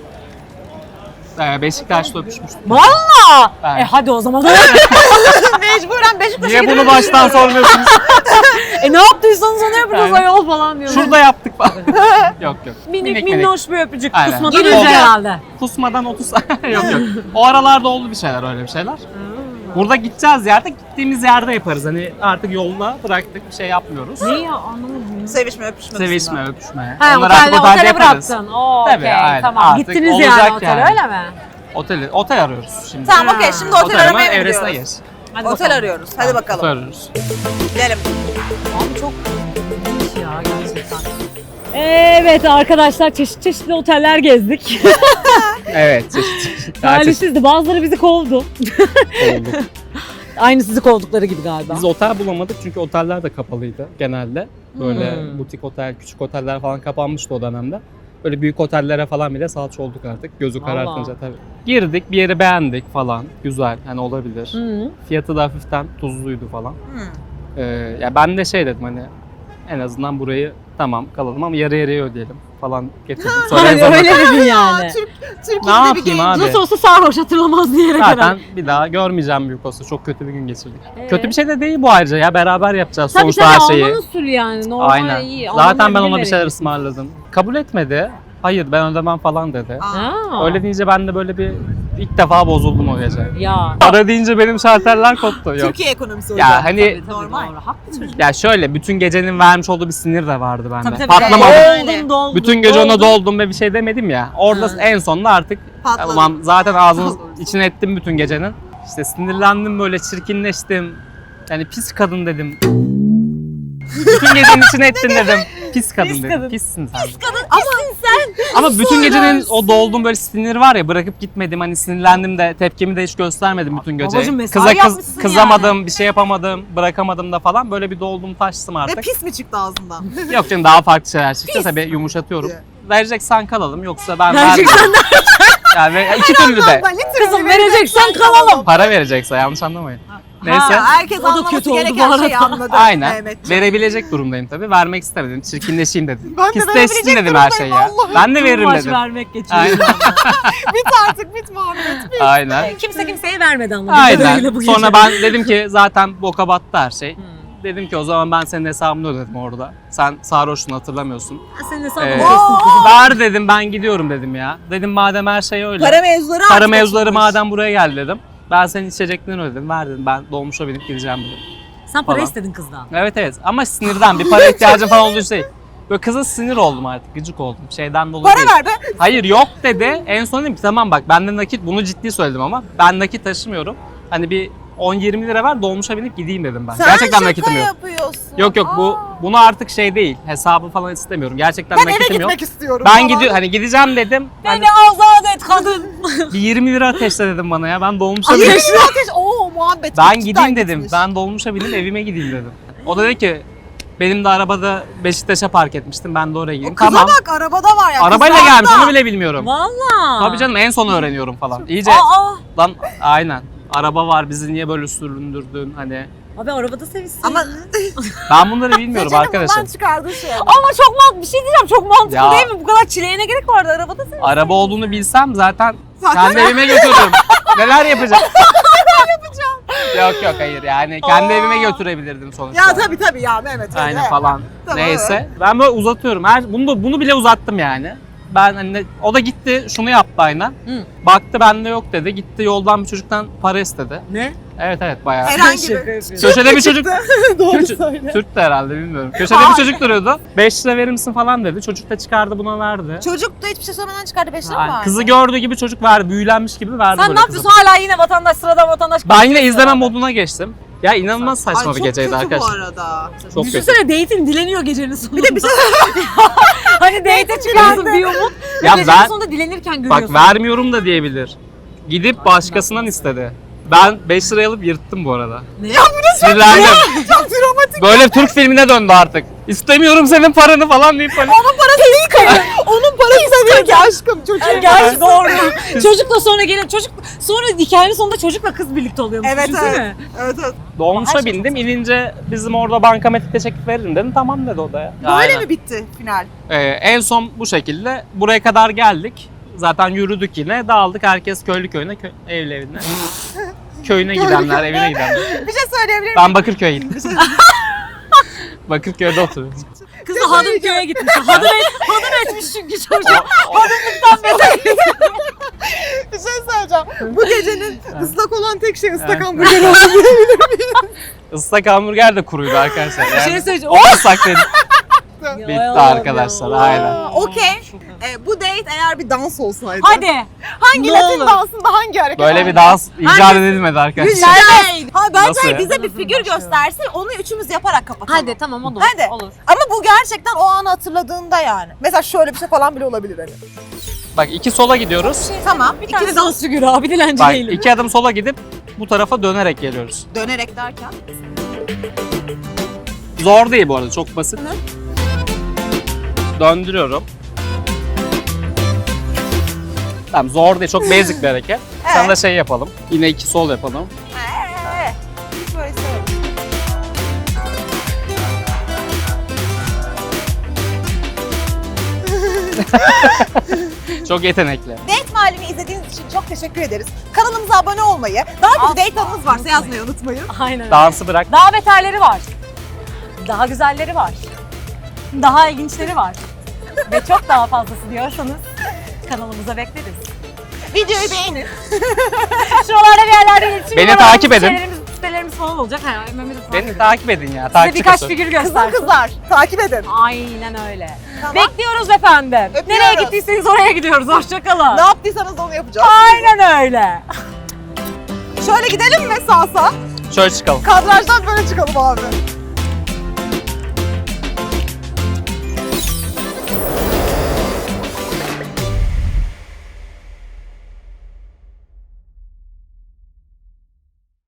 S2: Beşiktaş'ta öpüşmüştük.
S3: Valla.
S2: Evet.
S3: Hadi o zaman.
S1: Mecburen Beşiktaş'a
S2: Niye bunu
S1: gidiyoruz.
S2: baştan sormuyorsunuz?
S3: Ne yaptıysanız onu yapacağız
S2: Aynen.
S3: ayol falan diyorum.
S2: Şurada yaptık falan. Yok yok.
S3: Minik minnoş bir öpücük.
S2: Aynen.
S3: Kusmadan
S2: Giriyor.
S3: önce herhalde.
S2: Kusmadan 30 yok yok. O aralarda oldu bir şeyler, öyle bir şeyler. Burada gideceğiz yerde, gittiğimiz yerde yaparız. Hani artık yoluna bıraktık, bir şey yapmıyoruz.
S3: Ne ya anlamadım.
S1: Sevişme öpüşme.
S2: Sevişme, öpüşme.
S3: Ha
S2: Onları artık
S3: otele
S2: yaparız.
S3: bıraktın. Oo,
S2: Tabii,
S3: okey,
S2: aynen.
S3: tamam.
S2: Artık
S3: Gittiniz
S2: olacak
S3: yani otele
S2: yani.
S3: öyle mi?
S2: Otel arıyoruz şimdi.
S1: Tamam okey şimdi otel
S2: Otel
S1: aramaya
S2: ama
S1: mı
S2: evresine
S1: gidiyoruz?
S2: geç.
S3: Hadi
S1: Otel
S3: bakalım.
S1: arıyoruz. Hadi bakalım.
S2: Otel arıyoruz.
S1: Gidelim.
S3: Abi çok ilginç ya gerçekten. Evet arkadaşlar çeşit çeşitli oteller gezdik.
S2: Evet, çeşit.
S3: Talihsizdi. Bazıları bizi kovdu.
S2: Oldu.
S3: Aynı sizi kovdukları gibi galiba.
S2: Biz otel bulamadık çünkü oteller de kapalıydı genelde. Böyle
S3: Hmm.
S2: butik otel, küçük oteller falan kapanmıştı o dönemde. Böyle büyük otellere falan bile salça olduk artık. Gözü
S3: Vallahi.
S2: karartınca tabii. Girdik, bir yeri beğendik falan. Güzel, hani olabilir.
S3: Hı.
S2: Fiyatı da hafiften tuzluydu falan.
S1: Hı.
S2: Ya ben de şey dedim, hani en azından burayı tamam kalalım ama yarı yarıya ödeyelim falan getirdim. Sonra en
S3: Hani
S2: sonunda
S3: öyle dedin yani.
S1: Türkiye'de
S2: ne yapayım abi?
S3: Nasıl olsa sarhoş hatırlamaz diyerek
S2: Zaten
S3: herhalde.
S2: bir daha görmeyeceğim büyük olsa. Çok kötü bir gün geçirdik.
S3: Ee?
S2: Kötü bir şey de değil bu ayrıca ya. Beraber yapacağız
S3: Tabii
S2: sonuçta
S3: tabii
S2: her şeyi.
S3: Alman usulü yani. Normal
S2: Aynen.
S3: iyi.
S2: Zaten ben ona bir
S3: bilerek.
S2: şeyler ısmarladım. Kabul etmedi. Hayır ben ödemem falan dedi.
S3: Ha.
S2: Öyle deyince ben de böyle bir ilk defa bozuldum o gece.
S3: Ya.
S2: Para deyince benim şarteller koptu. Yok.
S1: Türkiye ekonomisi hocam.
S2: Ya hani
S3: Tabii,
S1: Normal.
S3: Doğru. Haklı çocuk.
S2: ya şöyle bütün gecenin vermiş olduğu bir sinir de vardı bende.
S3: Tabii tabii.
S2: Patlamadım.
S1: Öyle.
S3: Doldum.
S2: Bütün gece ona doldum ve bir şey demedim ya. Orada
S3: Hı.
S2: en sonunda artık
S1: Patladı.
S2: ulan zaten ağzını içine ettim bütün gecenin. İşte sinirlendim, böyle çirkinleştim. Yani pis kadın dedim. Bütün gecenin içine ettin dedim. pis kadın
S3: Pis
S2: dedim.
S3: kadın.
S2: Pissin sen.
S3: Ama
S2: Ama bütün gecenin o dolduğum böyle siniri var ya, bırakıp gitmedim, hani sinirlendim de tepkimi de hiç göstermedim bütün gece.
S3: Babacım, mesai yapmışsın
S2: kızamadım, bir şey yapamadım, bırakamadım da falan, böyle bir doldum taştım
S1: Ve
S2: artık.
S1: pis mi çıktı ağzından?
S2: Yok canım, daha farklı şeyler çıktı tabii, yumuşatıyorum. Vereceksen kalalım, yoksa ben
S3: Vereceksen
S2: vermem. Yani iki türlü de.
S3: kızım vereceksen kalalım.
S2: Para verecekse, yanlış anlamayın. Neyse.
S1: Herkes
S3: O da
S1: anlaması
S3: kötü oldu bu
S1: gereken
S3: arada.
S1: şeyi anladı.
S2: Aynen.
S1: Mehmetciğim.
S2: Verebilecek durumdayım tabii. Vermek istemedim. Çirkinleşeyim dedim.
S1: Ben de
S2: Pisleşsin
S1: verebilecek
S2: dedim her şeyi ya.
S1: durumdayım,
S2: Ben de veririm
S3: Maaş
S2: dedim.
S3: vermek geçiyor.
S2: Aynen.
S1: Bit artık bit Muhammed. Bit.
S2: Aynen.
S3: Kimse kimseye vermedi ama.
S2: Aynen. Sonra ben dedim ki zaten boka battı her şey. Dedim ki o zaman ben senin hesabını ödedim orada. Sen sarhoşsun, hatırlamıyorsun.
S3: Senin hesabını
S2: Ee,
S3: ödesin kızım.
S2: Ver dedim, ben gidiyorum dedim ya. Dedim madem her şey öyle.
S1: Para mevzuları
S2: Para
S1: artık
S2: mevzuları
S1: açılmış.
S2: madem buraya geldi dedim. Ben senin içeceklerini ödedim. Ver dedim, ben dolmuşa binip gideceğim dedim.
S3: Sen para
S2: falan.
S3: istedin kızdan.
S2: Evet ama sinirden, bir para ihtiyacım falan olduğu şey. Böyle kıza sinir oldum artık, gıcık oldum. Şeyden dolayı
S1: Para
S2: değil.
S1: ver be.
S2: Hayır yok dedi. En son dedim ki tamam bak, bende nakit, bunu ciddi söyledim ama ben nakit taşımıyorum. Hani bir 10-20 lira ver, dolmuşa binip gideyim dedim ben.
S1: Sen
S2: Gerçekten
S1: şaka
S2: nakitim yok.
S1: yapıyorsun.
S2: Yok
S1: Aa.
S2: bunu artık şey değil. Hesabı falan istemiyorum. Gerçekten
S1: Ben eve
S2: nakitim yok.
S1: gitmek istiyorum.
S2: Ben
S1: falan.
S2: gidiyor hani gideceğim dedim. Hani
S3: Beni azat et kadın.
S2: bir 20 lira ateşle dedim bana ya. Ben dolmuşa
S1: Ay,
S2: binip
S1: yeşil ateş. Oo muhabbet.
S2: ben
S1: cidden
S2: gideyim dedim.
S1: gitmiş.
S2: Ben dolmuşa binip evime gideyim dedim. O da dedi ki benim de arabada Beşiktaş'a park etmiştim. Ben de oraya gideyim.
S1: Kıza
S2: Tamam.
S1: bak arabada var ya.
S2: Arabayla
S1: kız
S2: gelmiş,
S1: rahatta.
S2: onu bile bilmiyorum.
S3: Valla.
S2: Tabii canım, en son öğreniyorum falan. İyice
S3: Aa.
S2: lan aynen. Araba var, bizi niye böyle süründürdün hani.
S3: Abi arabada sevişsin.
S1: Ama
S2: Ben bunları bilmiyorum
S1: Seçenin
S2: arkadaşım.
S1: bundan çıkardığı şey.
S3: Ama çok mantıklı, bir şey diyeceğim, çok mantıklı
S2: Ya.
S3: değil mi? Bu kadar çileğine gerek vardı, arabada sevişsin.
S2: Araba olduğunu bilsem zaten
S1: Zaten-
S2: kendi evime götürürüm. Neler yapacağım? Yok hayır, yani kendi evime götürebilirdim sonuçta.
S1: Ya tabii ya Mehmet. öyle.
S2: Aynen falan.
S1: Tamam,
S2: Neyse. Ben böyle uzatıyorum. Bunu bile uzattım yani. Ben hani o da gitti şunu yaptı aynen.
S3: Hı.
S2: Baktı bende yok dedi. Gitti yoldan bir çocuktan para istedi.
S3: Ne?
S2: Evet bayağı.
S1: Herhangi
S3: Şaka
S1: bir.
S3: yapıyorum.
S2: Köşede bir çocuk.
S1: Doğru söyle.
S2: Türk de herhalde, bilmiyorum. Köşede bir çocuk duruyordu. 5 lira verir misin falan dedi. Çocuk da çıkardı, buna verdi.
S1: Çocuk da hiçbir şey söylemeden çıkardı 5 lira mı
S2: Aynen.
S1: var?
S2: Kızı gördüğü gibi çocuk verdi. Büyülenmiş gibi verdi
S3: Sen
S2: böyle
S3: ne
S2: kıza.
S3: yapıyorsun hala yine vatandaş, sıradan vatandaş?
S2: Ben yine izleme moduna geçtim. Ya inanılmaz saçma
S1: Ay,
S2: bir geceydi
S1: çok kötü
S2: arkadaşlar.
S1: bu arada.
S2: Çok kötü.
S3: Düşünsene date'in dileniyor gecenin sonunda.
S1: Bir de bir şey
S3: Hani date'e çıkarsın bir umut.
S2: Ya
S3: gecenin
S2: ben-
S3: sonunda dilenirken görüyorsun.
S2: Bak vermiyorum da diyebilir. Gidip başkasından istedi. Ben 5 liraya alıp yırttım bu arada.
S3: Ne?
S2: Sinirlendim.
S1: çok dramatik.
S2: Böyle Türk filmine döndü artık. İstemiyorum senin paranı falan deyip hani.
S1: Onun parası değil ki. Onun parası değil ki aşkım. Çocuğun
S3: Gerçi doğru. Çocukla sonra gelen çocuk, sonra hikayenin sonunda çocukla kız birlikte oluyormuş.
S1: Evet
S3: Düşünsene.
S1: evet.
S2: Dolmuşa bindim. İnince bizim orada bankamatik teşekkür veririm dedim. Tamam dedi o da ya.
S1: Böyle
S2: Aynen.
S1: mi bitti final?
S2: En son bu şekilde. Buraya kadar geldik. Zaten yürüdük yine. Dağıldık. Herkes köylü köyüne, evli evine. Köyüne gidenler, evine gidenler.
S1: Bir şey söyleyebilir miyim?
S2: Ben Bakırköy'e gittim. Bakırköy'de oturuyorum.
S3: Kız da Hadımköy'e gitmiş. Hadım etmiş çünkü çocuk. Hadımlıktan beter.
S1: Bir şey söyleyeceğim. Bu gecenin ıslak olan tek şey ıslak hamburger oldu.
S2: Islak hamburger de kuruydu arkadaşlar.
S3: Bir şey söyleyeceğim.
S2: O ıslak dedi. Bitti
S3: Ya
S2: arkadaşlar,
S3: ya.
S2: aynen.
S1: Okey. Bu date eğer bir dans olsaydı.
S3: Hadi.
S1: Hangi
S3: Ne
S1: Latin
S3: olur.
S1: dansında hangi hareket?
S2: Böyle bir dans icat edilmedi arkadaşlar.
S1: Güzel. Ha,
S2: Nasıl
S1: bence
S2: ya?
S1: bize bir figür göstersin. Onu üçümüz yaparak kapatalım.
S3: Hadi tamam olur.
S1: Hadi.
S3: Olur.
S1: Ama bu gerçekten o anı hatırladığında yani. Mesela şöyle bir şey falan bile olabilir hani.
S2: Bak 2 sola gidiyoruz.
S1: Tamam.
S3: Bir tane
S1: İkimiz
S3: dans figürü abi, dilenci
S2: Bak
S3: değilim.
S2: 2 adım sola gidip bu tarafa dönerek geliyoruz.
S1: dönerek derken.
S2: Zor değil bu arada, çok basit. Döndürüyorum. Tamam, zor değil, çok basic bir hareket. Sana
S1: Evet.
S2: da şey yapalım. Yine 2 sol yapalım.
S1: Böyle söyle.
S2: Çok yetenekli.
S1: Date Mahalli'ni izlediğiniz için çok teşekkür ederiz. Kanalımıza abone olmayı, daha kötü date anınız varsa yazmayı unutmayın.
S3: Aynen öyle.
S2: Dansı bırak.
S3: Daha beterleri var. Daha güzelleri var. Daha ilginçleri var. Ve çok daha fazlası diyorsanız kanalımıza bekleriz.
S1: Videoyu beğenin.
S3: Şuralarda bir yerlerde iletişim
S2: Beni
S3: numaralarımız,
S2: takip edin.
S3: sitelerimiz falan olacak. Ha, Mehmet'i takip
S2: Beni
S3: edin.
S2: takip edin ya.
S3: Size
S2: Takipçi
S3: birkaç
S2: kasın.
S3: figür
S1: Kızlar
S3: göster.
S1: kızlar takip edin.
S3: Aynen öyle.
S1: Tamam.
S3: Bekliyoruz efendim.
S1: Öpüyoruz.
S3: Nereye gittiyseniz oraya gidiyoruz. Hoşçakalın.
S1: Ne yaptıysanız onu yapacağız.
S3: Aynen öyle.
S1: Şöyle gidelim mi sağ?
S2: Şöyle çıkalım.
S1: Kadrajdan böyle çıkalım abi.